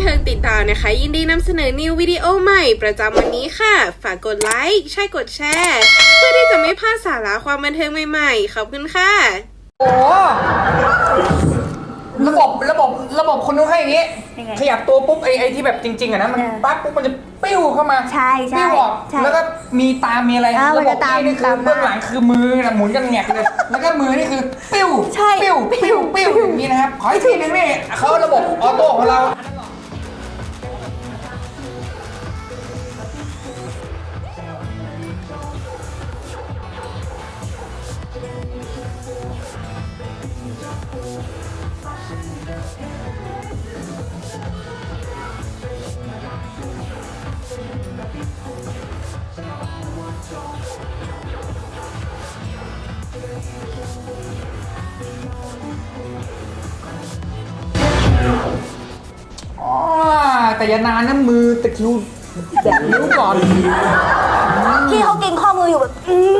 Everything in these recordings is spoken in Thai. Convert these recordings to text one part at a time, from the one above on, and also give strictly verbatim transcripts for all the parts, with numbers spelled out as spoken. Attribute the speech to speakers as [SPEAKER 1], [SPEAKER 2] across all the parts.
[SPEAKER 1] เทิงติดตามนะคะยินดีนำเสนอนิววิดีโอใหม่ประจำวันนี้ค่ะฝากกดไลค์ใช่กดแชร์เพื่อที่จะไม่พลาดสาระความบันเทิงใหม่ๆขอบคุณค่ะ
[SPEAKER 2] โอ้ระบบระบบระบบคนนู้นให้อย่างนี้ขยับตัวปุ๊บไอ้ไอ้ที่แบบจริงๆอะนะมันปั๊บปุ๊บมันจะปิ้วเข้ามา
[SPEAKER 3] ใช่ใช่
[SPEAKER 2] ปิ้วออกแล้วก็มีตามีอะไรระบบที่นี่คือเบื้องหลังคือมือนะหมุนกันแงกเลยแล้วก็มือนี่คือปิ้วปิ้วปิ้วปิ้วอย่างนี้นะครับขออีกทีนึงนี่เขาระบบออโต้ของเราแต่อย่านานนะมือตะคิวแดดนิ้วก่อน
[SPEAKER 3] ที่เขาเก่งข้อมืออยู่แบบ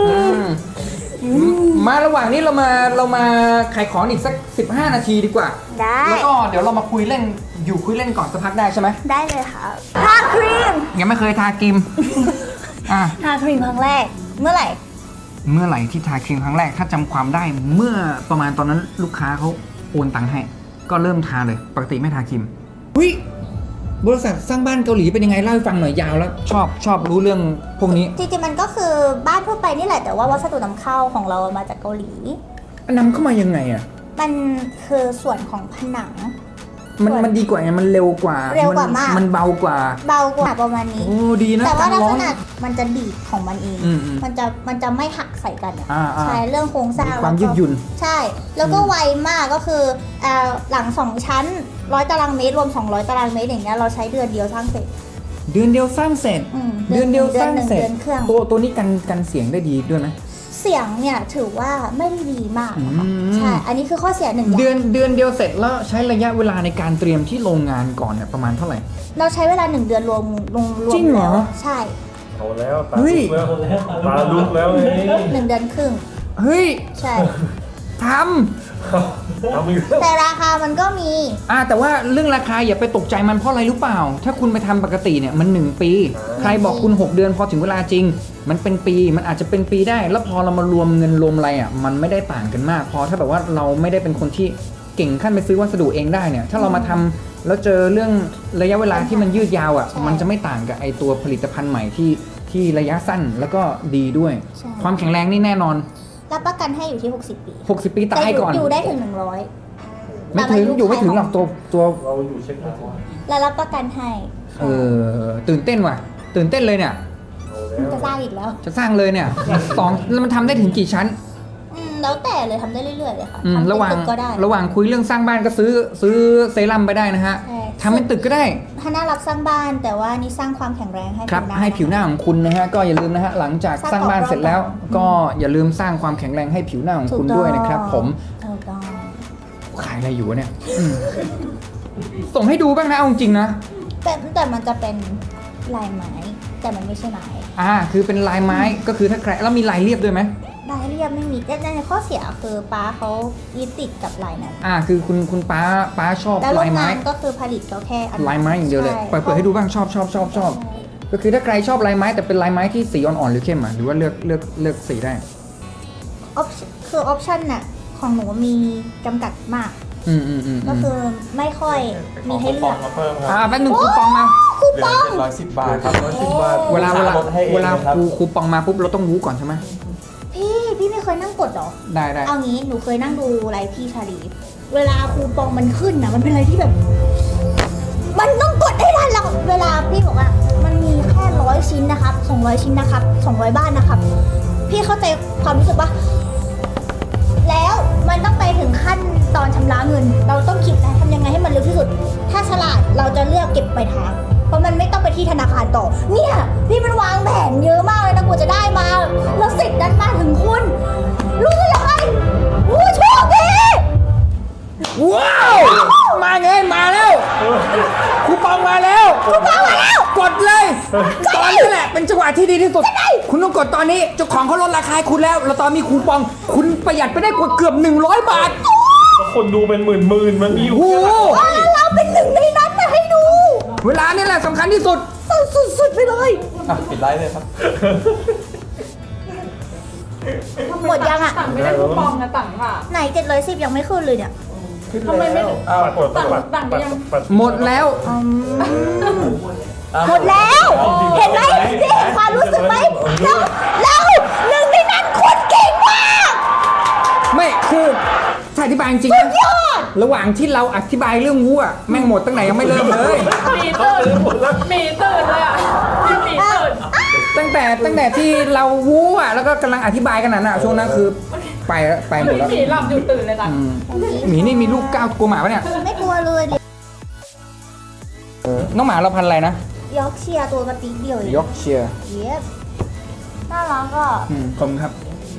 [SPEAKER 2] มาระหว่างนี้เรามาเรามาขายของอีกสักสิบห้านาทีดีกว่า
[SPEAKER 3] ได้
[SPEAKER 2] แล้วก็เดี๋ยวเรามาคุยเล่นอยู่คุยเล่นก่อนสักพักได้ใช่ไหม
[SPEAKER 3] ได้เลยค่ะทาครีม
[SPEAKER 2] ยังไม่เคยทาครีมอ่ะ
[SPEAKER 3] ทาครีมครั้งแรกเมื่อไหร่
[SPEAKER 2] เมื่อไหร่ที่ทาครีมครั้งแรกถ้าจำความได้เมื่อประมาณตอนนั้นลูกค้าเขาโอนตังค์ให้ก็เริ่มทาเลยปกติไม่ทาครีมอุ้ยบริษัทสร้างบ้านเกาหลีเป็นยังไงเล่าให้ฟังหน่อยยาวแล้วชอบชอบรู้เรื่องพวกนี้
[SPEAKER 3] จริงๆมันก็คือบ้านทั่วไปนี่แหละแต่ว่าวัสดุนำเข้าของเรามาจากเกาหลี
[SPEAKER 2] นำเข้ามายังไงอ่ะ
[SPEAKER 3] มันคือส่วนของผนัง
[SPEAKER 2] มันมันดีกว่าไงมันเร็วกว่า
[SPEAKER 3] เร็วกว่ามาก
[SPEAKER 2] มันเบากว่า
[SPEAKER 3] เบากว่าประมาณนี้
[SPEAKER 2] โอ้ดีนะ
[SPEAKER 3] แต่ว่าลักษณะมันจะดีดของมันเอง
[SPEAKER 2] มั
[SPEAKER 3] นจะมันจะไม่หักใส่กัน
[SPEAKER 2] อ่ะ
[SPEAKER 3] ใช่เรื่องโครงสร้าง
[SPEAKER 2] ความยืดหยุ่น
[SPEAKER 3] ใช่แล้วก็ไวมากก็คือหลังสองชั้นร้อยตารางเมตรรวมสองร้อยตารางเมตรอย่างเงี้ยเราใช้เดือนเดียวสร้างเสร็จ
[SPEAKER 2] เดือนเดียวสร้างเสร็จเดือนเดียวสร้างเสร็จตัวตัวนี้กันกันเสียงได้ดีด้วยไหม
[SPEAKER 3] เสียงเนี่ยถือว่าไม่ได้ดีมากใช่อันนี้คือข้อเสียหนึ่ง
[SPEAKER 2] เดือนเดือนเดียวเสร็จแล้วใช้ระยะเวลาในการเตรียมที่โรงงานก่อนเนี่ยประมาณเท่าไหร่
[SPEAKER 3] เราใช้เวลาหนึ่งเดือนรวมรวม
[SPEAKER 2] จริงเหรอ
[SPEAKER 3] ใช่
[SPEAKER 4] เอาแล้วตาลุกแล้วตาลุกแล้ว
[SPEAKER 3] หนึ่งเดือนครึ่ง
[SPEAKER 2] เฮ้ย
[SPEAKER 3] ใช่
[SPEAKER 2] ท
[SPEAKER 3] ำแต่ราคามันก็มี
[SPEAKER 2] อ่าแต่ว่าเรื่องราคาอย่าไปตกใจมันเพราะอะไรรู้เปล่าถ้าคุณไปทำปกติเนี่ยมันหนึ่งปีใครบอกคุณหกเดือนพอถึงเวลาจริงมันเป็นปีมันอาจจะเป็นปีได้แล้วพอเรามารวมเงินรวมอะไรอ่ะมันไม่ได้ต่างกันมากพอถ้าแบบว่าเราไม่ได้เป็นคนที่เก่งขั้นไปซื้อวัสดุเองได้เนี่ยถ้าเรามาทำแล้วเจอเรื่องระยะเวลาที่มันยืดยาวอ่ะมันจะไม่ต่างกับไอตัวผลิตภัณฑ์ใหม่ที่ที่ระยะสั้นแล้วก็ดีด้วยความแข็งแรงนี่แน่นอน
[SPEAKER 3] รับประกันให้อยู่ที่หกสิบปี
[SPEAKER 2] หกสิบปีตายก่อน
[SPEAKER 3] อยู่ได้ถึงหนึ่งร้อย
[SPEAKER 2] ไม่ถึงอยู่ไม่ถึงหรอกตัวตัว
[SPEAKER 4] เราอยู่เช็คไม่ถึง
[SPEAKER 3] แล้วรับประกันให้
[SPEAKER 2] เออตื่นเต้นว่ะตื่นเต้นเลยเนี่ย
[SPEAKER 3] จะสร้างอีกแล้ว
[SPEAKER 2] จะสร้างเลยเนี่ยสองแล้วมันทำได้ถึงกี่ชั้น
[SPEAKER 3] แล้วแต่เลยทำได้เรื่อยๆเลยค่ะ
[SPEAKER 2] ทำระหว่าง
[SPEAKER 3] ก็ได้
[SPEAKER 2] ระหว่างคุยเรื่องสร้างบ้านก็ซื้อซื้อเซรั่มไปได้นะฮะทำเป็นตึกก็ได้
[SPEAKER 3] ถ้าน่ารับสร้างบ้านแต่ว่านี่สร้างความแข็งแรงให้
[SPEAKER 2] ครับให้ผิวหน้าของคุณนะฮะก็อย่าลืมนะฮะหลังจากสร้างบ้านเสร็จแล้วก็อย่าลืมสร้างความแข็งแรงให้ผิวหน้าของคุณด้วยนะครับผมขายอะไรอยู่เนี่ยส่งให้ดูบ้างนะเอาจริงนะ
[SPEAKER 3] แต่แต่มันจะเป็นลายไม้แต่มันไม่ใช่ไม้
[SPEAKER 2] อ่าคือเป็นลายไม้ก็คือถ้าใครแล้วมีลายเรียบด้วยไหม
[SPEAKER 3] ลายเรียบไม่มีแต่ในข้อเสียคือป้าเขายึดติดกับลายนั้น
[SPEAKER 2] อ่าคือคุณคุณป้าป้าชอบลายไม้
[SPEAKER 3] ก็คือผลิตก็แค่
[SPEAKER 2] ลายไม้อย่างเดียวเลยเปิดเปิดให้ดูบ้างชอบชอบชอบชอบก็คือถ้าใครชอบลายไม้แต่เป็นลายไม้ที่สีอ่อนๆหรือเข้มอ่ะหรือว่าเลือกเลือกเลือกสีได้
[SPEAKER 3] คือออปชั่นน่ะของหนูมีจำกัดมาก
[SPEAKER 2] อืมอืมอืม
[SPEAKER 3] ก็คือไม่ค่อยมีให้เลือก
[SPEAKER 2] อ่าแป๊บนึงคูปองมา
[SPEAKER 3] คูปอง
[SPEAKER 4] ร้อยสิบบาทครับร้อยสิบบาท
[SPEAKER 2] เวลาเวลาเวลาคูคูปองมาปุ๊บเราต้องรู้ก่อนใช่ไหม
[SPEAKER 3] พี่พี่ไม่เคยนั่งกดหรอ
[SPEAKER 2] ได้ได้
[SPEAKER 3] เอางี้หนูเคยนั่งดูไลฟ์พี่ชาลีเวลาคูปองมันขึ้นนะมันเป็นอะไรที่แบบมันต้องกดให้ทันแล้วเวลาพี่บอกว่ามันมีแค่ร้อยชิ้นนะครับสองร้อยชิ้นนะครับสองร้อยบ้านนะครับพี่เข้าใจความรู้สึกปะแล้วมันต้องไปถึงขั้นตอนชำระเงินเราต้องคิดนะทำยังไงให้มันเร็วที่สุดถ้าฉลาดเราจะเลือกเก็บปลายทางเพราะมันไม่ต้องไปที่ธนาคารต่อเนี่ยพี่มันวางแผนเยอะมากเลยนะกว่าจะได้มาแล้วสิทธิ์นั้นมาถึงคุณรู้สึกยังไงโอ้โชคดี
[SPEAKER 2] ว้าวมาไงมาแล้วคูปองมาแล้ว
[SPEAKER 3] คูปองมาแล้ว
[SPEAKER 2] กดเลยตอนนี้แหละเป็นจังหวะที่ดีที่สุดคุณต้องกดตอนนี้เจ้าของเขาลดราคาคุณแล้วแล้วตอนมีคูปองคุณประหยัดไปได้กว่าเกือบหนึ่งร้อยบาท
[SPEAKER 4] คนดูเป็นหมื่นหมื่นมันมีอยู่
[SPEAKER 3] แล้วเราเป็นหนึ่งในนั้นนะให้ดู
[SPEAKER 2] เวลานี่แหละสำคัญที่สุด
[SPEAKER 3] สุดๆไปเลย
[SPEAKER 5] อ่ะปิดไลฟ์เลยครับ
[SPEAKER 3] หมดยังอ่ะ
[SPEAKER 6] ต่างไม่ได้คูปองนะต่างค่ะ
[SPEAKER 3] ไหนเจ็ดร้อยสิบยังไม่ขึ้นเลยเนี่ย
[SPEAKER 6] ทำไมไม่
[SPEAKER 5] อ้าว
[SPEAKER 4] ปัดปัดปัดปัดปัดปัด
[SPEAKER 2] หมดแล้ว
[SPEAKER 3] อืม
[SPEAKER 5] อ้าว
[SPEAKER 3] หมดแล้ว เห็นไหมนี่เห็นความรู้สึกไหมเราเราหนึ่งในนั้นคนเก่งมาก
[SPEAKER 2] ไม่คือถ้าอธิบายจริงๆนะระหว่างที่เราอธิบายเรื่องวัวแม่งหมดตั้งไหนยังไม่เริ่มเลย
[SPEAKER 6] หมีตื่นหมีตื่นเลยอ่ะพี่หมีตื่น
[SPEAKER 2] ตั้งแต่ตั้งแต่ที่เราวู้อ่ะแล้วก็กำลังอธิบายกันน่ะช่วงนั้นคือไปแล้วไปหมดแล้ว
[SPEAKER 6] หมีหลับอยู่ตื่นเลยนะ
[SPEAKER 2] อืมหมีนี่มีลูกก้าวกลัวหมาปะเนี่ย
[SPEAKER 3] ไม่กลัวเลยดิ
[SPEAKER 2] เออน้องหมาเราพันธุ์อะไรนะ
[SPEAKER 3] ยอกเชียร์ตัวกระติ๊กเดียวเอง
[SPEAKER 2] ยอกเชียร์
[SPEAKER 3] เย็บน่ารักก็
[SPEAKER 2] อืมขอบคุณครับ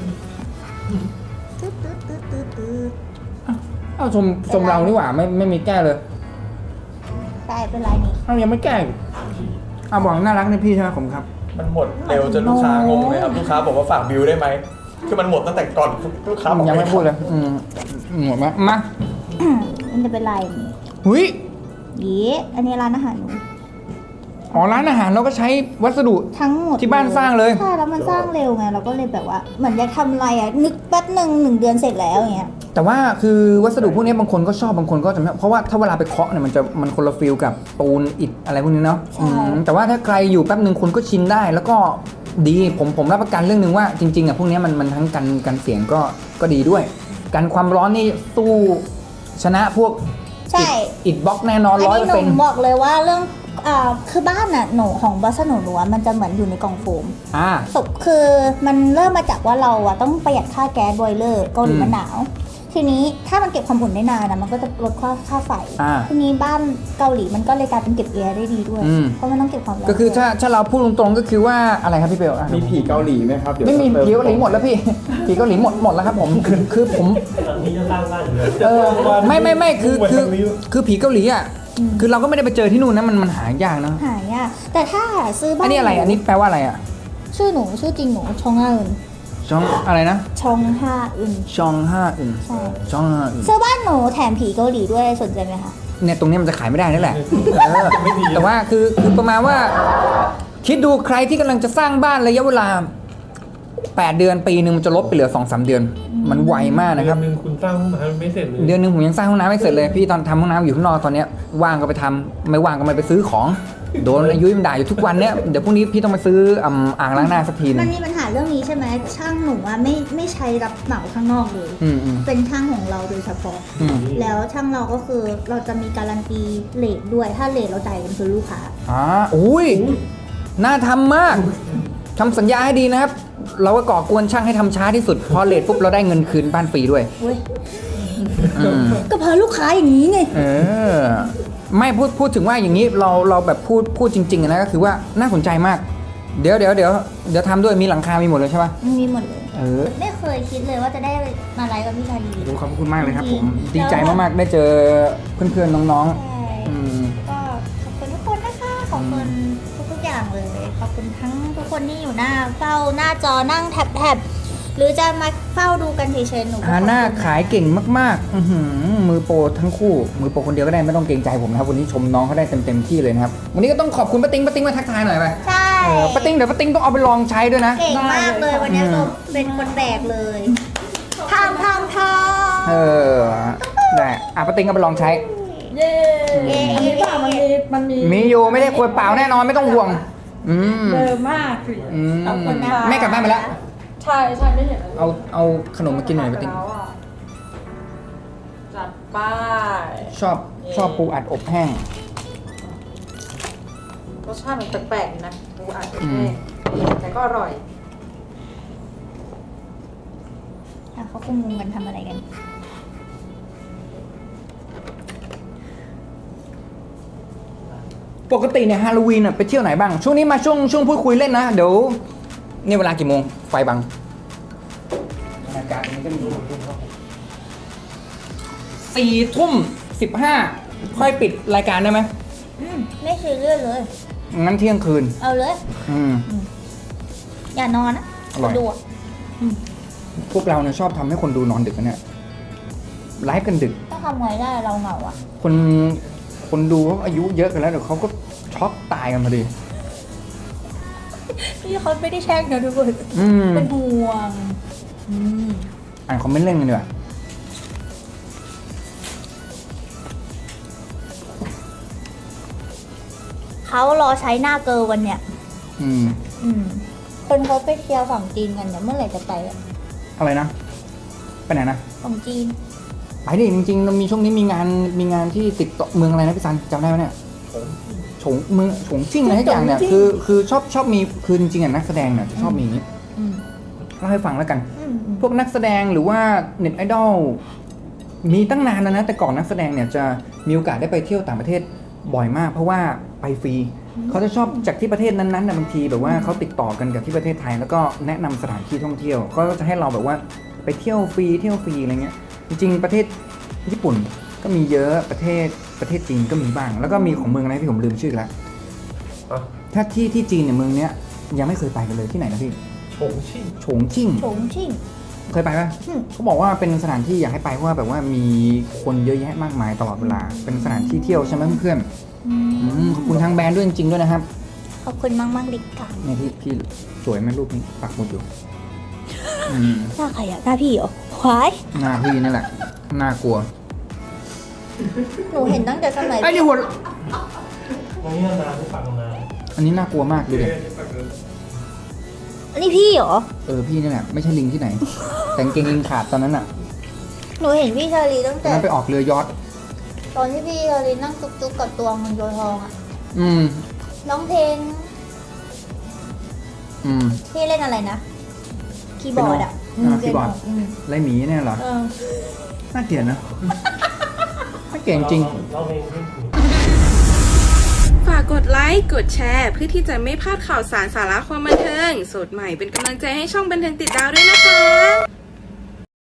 [SPEAKER 3] ตึ๊ดตึ๊ดตึ๊ดตึ๊ดตึ๊ด
[SPEAKER 2] เอ้าชมชมเรานี่หว่าไม่ไม่มีแก้เลย
[SPEAKER 3] ใช่เป็นไรนี่
[SPEAKER 2] เอ้ายังไม่แก้อีกเอาบอกน่ารักในพี่ใช่ไหมผมครับ
[SPEAKER 5] มันหมดเร็วจนลูกค้างงเลยครับ ลูกค้าบอกว่าฝากบิลได้ไหม คือมันหมดตั้งแต่ก่อนลูกค้าบอก
[SPEAKER 2] ยังไม่พูดเลยอืมหมดไหมมา
[SPEAKER 3] มันจะเป็นไรนี่
[SPEAKER 2] หุย
[SPEAKER 3] เย้อันนี้ร้านอาหารหนู
[SPEAKER 2] อ๋อร้านอาหารเราก็ใช้วัสดุ
[SPEAKER 3] ทั้งหมด
[SPEAKER 2] ที่บ้านสร้างเลย
[SPEAKER 3] ใช่แล้วมันสร้างเร็วไงเราก็เลยแบบว่าเหมือนอยากทำอะไรอ่ะนึกแป๊บหนึ่งหนึ่งเดือนเสร็จแล้วอย่างเงี้ย
[SPEAKER 2] แต่ว่าคือวัสดุพวกนี้บางคนก็ชอบบางคนก็จะไม่เพราะว่าถ้าเวลาไปเคาะเนี่ยมันจะมันคนละฟิลกับปูนอิฐอะไรพวกนี้เนาะ
[SPEAKER 3] ใช่
[SPEAKER 2] อืมแต่ว่าถ้าใครอยู่แป๊บหนึ่งคนก็ชินได้ แล้วก็ดีผมผมรับประกันเรื่องหนึ่งว่าจริงๆอ่ะพวกนี้มันมันทั้งกันกันเสียงก็ก็ดีด้วยกันความร้อนนี่สู้ชนะพวก
[SPEAKER 3] ใช่
[SPEAKER 2] อิฐบล็อกแน่นอน
[SPEAKER 3] อัน
[SPEAKER 2] ร้อย
[SPEAKER 3] นี้
[SPEAKER 2] เปอร์
[SPEAKER 3] ห
[SPEAKER 2] เซ็น
[SPEAKER 3] นู
[SPEAKER 2] ต์
[SPEAKER 3] บอกเลยว่าเรื่องอ่าคือบ้านน่ะหนูของบัสหนูหนูอะมันจะเหมือนอยู่ในกล่องโฟม
[SPEAKER 2] อ่า
[SPEAKER 3] ศพคือมันเริ่มมาจากว่าเราอะต้องประหยัดค่าแก๊สบอยเลอร์เกาหลี
[SPEAKER 2] อืม
[SPEAKER 3] มันหนาว ทีนี้ถ้ามันเก็บความอุ่นได้นานนะมันก็จะลดค่าค่าไฟ
[SPEAKER 2] อ่า
[SPEAKER 3] ทีนี้บ้านเกาหลีมันก็เลยกลายเป็นเก็บแอร์ได้ดีด้วย
[SPEAKER 2] อืม
[SPEAKER 3] เพราะมันต้องเก็บความร้อน
[SPEAKER 2] ก็คือถ้าถ้าเราพูดตรงๆก็คือว่าอะไรครับพี่เบลอ่ะ
[SPEAKER 5] มีผีเกาหลีไหมครับเดี๋ยว
[SPEAKER 2] ไม่มี
[SPEAKER 5] ติ
[SPEAKER 2] ผีเกาหลีหมดแล้วพี่ผีเกาหลีหมดหมดแล้วครับผมคือคือผม
[SPEAKER 4] หลังนี้จะสร้างบ้านอยู่แล้ว
[SPEAKER 2] เออไม่ไม่ไม่คือคือ
[SPEAKER 4] ทางนี้
[SPEAKER 2] คือผีเกาหลีอ่ะคือเราก็ไม่ได้ไปเจอที่นู่นนะมันมันหายากนะ
[SPEAKER 3] หายากแต่ถ้าซื้อบ้าน
[SPEAKER 2] อันนี้อะไรอันนี้แปลว่าอะไรอ่ะ
[SPEAKER 3] ชื่อหนูชื่อจริงหนูชองฮาอึน
[SPEAKER 2] ชองอะไรนะ
[SPEAKER 3] ชองฮาอึน
[SPEAKER 2] ชองห้าอึน
[SPEAKER 3] ใช่
[SPEAKER 2] ชองห้าอึน
[SPEAKER 3] ซื้อบ้านหนูแถมผีเกาหลีด้วยสนใจไหมคะ
[SPEAKER 2] เนี่ยตรงเนี้ยมันจะขายไม่ได้นั่นแหละเออแต่ว่าคือคือประมาณว่า คิดดูใครที่กำลังจะสร้างบ้านระยะเวลาแปดเดือนปีหนึ่งมันจะลดไปเหลือสองสามเดือน มันไวมากนะครับ
[SPEAKER 4] เดือนหนึ่งคุณสร้างห้องน้ำไม่เสร็จเลย
[SPEAKER 2] เดือนหนึ่งผมยังสร้างห้องน้ำไม่เสร็จเลยพี่ตอนทำห้องน้ำอยู่ข้างนอกตอนเนี้ยว่างก็ไปทำไม่ว่างก็ไม่ไปซื้อของโดนอายุมันด่าอยู่ทุกวันเนี้ยเดี๋ยวพรุ่งนี้พี่ต้องไปซื้ออ่ำอ่างล้างหน้าสักทีหนึ
[SPEAKER 3] มั
[SPEAKER 2] ง
[SPEAKER 3] นมีปัญหาเรื่องนี้ใช่ไหมช่างหนูอะไม่ไม่ใช้รับเหมาข้างนอกเลย
[SPEAKER 2] อืมอืม
[SPEAKER 3] เป็นช่างของเราโดยเฉพาะ
[SPEAKER 2] อืม
[SPEAKER 3] แล้วช่างเราก็คือเราจะมีการันตีเลทด้วย ถ้าเลทเราจ่ายกันคือลูกค้า
[SPEAKER 2] อ่าอุ้ยน่าทำมากทำสัญญาให้ดีนะครับ เราก็ก่อกวนช่างให้ทำช้าที่สุดพอเลทปุ๊บเราได้เงินคืนบ้านฟรีด้วย
[SPEAKER 3] เว้ย
[SPEAKER 2] อืม
[SPEAKER 3] ก็เพราะลูกค้าอย่างนี้ไง
[SPEAKER 2] เออไม่พูดพูดถึงว่าอย่างนี้เราเราแบบพูดพูดจริงๆอะนะก็คือว่าน่าสนใจมาก เดี๋ยวเดี๋ยวเดี๋ยวเดี๋ยวทำด้วยมีหลังคา มีหมดเลยใช่ปะ
[SPEAKER 3] มีหมดเลย
[SPEAKER 2] เออ
[SPEAKER 3] ไม่เคยคิดเลยว่าจะได้มาไลฟ์กับพี่ชาลี
[SPEAKER 2] ขอบคุณมากเลยครับผม
[SPEAKER 3] จริงๆ
[SPEAKER 2] ดีใจมากๆได้เจอเพื่อนๆน้อง
[SPEAKER 3] ใช่
[SPEAKER 2] ๆอืม
[SPEAKER 3] ก็ขอบคุณทุกคนนะคะขอบคุณทุกๆอย่างเลย ขอบคุณทั้งทุกคนที่อยู่หน้าเฝ้าหน้าจอนั่งแท็บแท็บหรือจะมาเฝ้าดูกันเฉยๆหนูก็
[SPEAKER 2] ฮาน่า
[SPEAKER 3] ขอบคุณ
[SPEAKER 2] ขายเก่งมากๆอื้อหือมือโปรทั้งคู่ มือโปรคนเดียวก็ได้ไม่ต้องเกรงใจผมนะครับวันนี้ชมน้องเขาได้เต็มๆที่เลยนะครับวันนี้ก็ต้องขอบคุณป้าติ้งป้าติ้งมาทักทายหน่อยไป
[SPEAKER 3] ใช่
[SPEAKER 2] เออป้าติ้งเดี๋ยวป้าติ้งต้องเอาไปลองใช้ด้วยนะ
[SPEAKER 3] เก่งมากเลยวันนี้
[SPEAKER 2] อืม
[SPEAKER 3] ก็เป็นคนแบกเลยทำทำท
[SPEAKER 2] เออได้อ่ะป้าติ้งก็ไปลองใช้
[SPEAKER 6] เย้อันนี้ป่ะมันมีมันมี
[SPEAKER 2] มีอยู่ไม่ได้ขวดเปล่าแน่นอนไม่ต้องห่วง อืม
[SPEAKER 6] เดิมมาก
[SPEAKER 2] อืม
[SPEAKER 6] ขอบคุณค่ะ
[SPEAKER 2] แม่กลับบ้านไปแล้ว
[SPEAKER 6] ใช่ใช่ไม่เห็น
[SPEAKER 2] เอาเอาขนมมากินหน่อยป้าติ้ง
[SPEAKER 6] แล้วอะจัดไป้าย
[SPEAKER 2] ชอบชอบปูอัดอบแห้ง
[SPEAKER 6] รสชาติมันแปลกๆอยู่นะปูอัด
[SPEAKER 2] อืม
[SPEAKER 6] แห้งแต่ก็อร่อย
[SPEAKER 3] ำอ่ะเขาคงงงกันทำอะไรกัน
[SPEAKER 2] ปกติเนี่ยฮาโลวีนน่ะไปเที่ยวไหนบ้าง ช่วงนี้มาช่วงช่วงพูดคุยเล่นนะ เดี๋ยวนี่เวลากี่โมง ไฟบังอากาศมันก็มีสี่ทุ่มสิบห้าค่อยปิดรายการได้ไหม
[SPEAKER 3] อืมไม่ซีเรียสเลย
[SPEAKER 2] งั้นเที่ยงคืน
[SPEAKER 3] เอาเลย
[SPEAKER 2] อืม
[SPEAKER 3] อย่านอนนะ
[SPEAKER 2] อร่อย
[SPEAKER 3] ดูอะ
[SPEAKER 2] พวกเราเนี่ยชอบทำให้คนดูนอนดึกนะเนี่ยไลฟ์กันดึก
[SPEAKER 3] ต้องทำไงได้เราเหงาอ่ะ
[SPEAKER 2] คนคนดูเขาอายุเยอะกันแล้วเดี๋ยวเขาก็ช็อกตายกันพอดี
[SPEAKER 3] พี่เขาไม่ได้แช่งนะทุกคน
[SPEAKER 2] อืม
[SPEAKER 3] เป็นห่วงอืม
[SPEAKER 2] อ่านคอมเมนต์เล่นกันดีกว่า
[SPEAKER 3] เขารอใช้หน้าเกิร์ลวันเนี้ย
[SPEAKER 2] อืม
[SPEAKER 3] อืมคนเขาไปเที่ยวฝั่งจีนกันเนี่ยเมื่อไหร่จะไปอะ
[SPEAKER 2] อะไรนะ ไปไหนนะ
[SPEAKER 3] ฝั่งจีน
[SPEAKER 2] ไปดิจริงๆเรามีช่วงนี้มีงานมีงานที่ติดต่อเมืองอะไรนะพี่ซันจำได้ไหมเนี่ยฉงเมืองฉงชิ่งอะไรทุกอย่างเนี่ยคือคือชอบชอบมีคือจริงๆอ่ะนักแสดงเนี่ยจะชอบมีอย่างนี้
[SPEAKER 3] อืม
[SPEAKER 2] เล่าให้ฟังแล้วกัน
[SPEAKER 3] อืมอืม
[SPEAKER 2] พวกนักแสดงหรือว่าเน็ตไอดอลมีตั้งนานแล้วนะแต่ก่อนนักแสดงเนี่ยจะมีโอกาสได้ไปเที่ยวต่างประเทศบ่อยมาก เพราะว่าไปฟรีเขาจะชอบจากที่ประเทศนั้นๆนะบางทีแบบว่าเขาติดต่อกันกับที่ประเทศไทย แล้วก็แนะนำสถานที่ท่องเที่ยวก็จะให้เราแบบว่าไปเที่ยวฟรีเที่ยวฟรีอะไรเงี้ยจริงๆประเทศญี่ปุ่นก็มีเยอะประเทศประเทศจีนก็มีบ้าง แล้วก็มีของเมืองอะไรที่ผมลืมชื่อแล้ว
[SPEAKER 4] อ่ะ
[SPEAKER 2] ถ้าที่ที่จีนเนี่ยเมืองเนี้ยยังไม่เคยไปกันเลยที่ไหนนะพี่
[SPEAKER 4] ชงชิ่ง
[SPEAKER 2] ฉงชิ่ง
[SPEAKER 3] ฉงชิ่ง
[SPEAKER 2] เคยไปปะ
[SPEAKER 3] อืม
[SPEAKER 2] เขาบอกว่าเป็นสถานที่อยากให้ไปเพราะว่าแบบว่ามีคนเยอะแยะมากมายตลอดเวลา เป็นสถานที่เที่ยวใช่ไหมเพื่อน
[SPEAKER 3] อืม
[SPEAKER 2] ๆอืมขอบคุณทางแบรนด์ด้วยจริงๆด้วยนะครับ
[SPEAKER 3] ขอบคุณมากมากๆลิกค่ะ
[SPEAKER 2] เนี่ยพี่พี่สวยไหมรูปนี้ปักหมุดอยู่อืม
[SPEAKER 3] หน้าใครอะหน้าพี่เหรอควาย
[SPEAKER 2] หน้าพี่นี่แหละน่ากลัว
[SPEAKER 3] หนูเห็นตั้งแต่สมัย
[SPEAKER 2] ไอ้นี่หัว
[SPEAKER 4] วันนี้นานที่ฝังนาน
[SPEAKER 2] อันนี้น่ากลัวมากดูดิ
[SPEAKER 3] อันนี้พี่เหรอ
[SPEAKER 2] เออพี่นี่แหละไม่ใช่ลิงที่ไหน แต่กางเกงลิงขาดตอนนั้นอ่ะ
[SPEAKER 3] หนูเห็นพี่ชาลีตั้ง
[SPEAKER 2] ตอน
[SPEAKER 3] แต่
[SPEAKER 2] นั้นไปออกเรือยอท
[SPEAKER 3] ตอนที่พี่ชาลีนั่งจุกๆกับตัวเงินตัวทองอะ
[SPEAKER 2] อืม
[SPEAKER 3] ร้องเพลง
[SPEAKER 2] อืม
[SPEAKER 3] พี่เล่นอะไรนะ คีย์บอร์ดอะ
[SPEAKER 2] เปียโนอ่าคีย์บอร์ด
[SPEAKER 3] อืม
[SPEAKER 2] ไรหมีเนี่ยเหรอ
[SPEAKER 3] เออ
[SPEAKER 2] น่าเกลียดนะน่าเกลียดจริง
[SPEAKER 4] เราเองที่
[SPEAKER 1] ฝากกดไลค์ กดแชร์ เพื่อที่จะไม่พลาดข่าวสารสาระความบันเทิง สดใหม่เป็นกำลังใจให้ช่องบันเทิงติดดาวด้วยนะคะ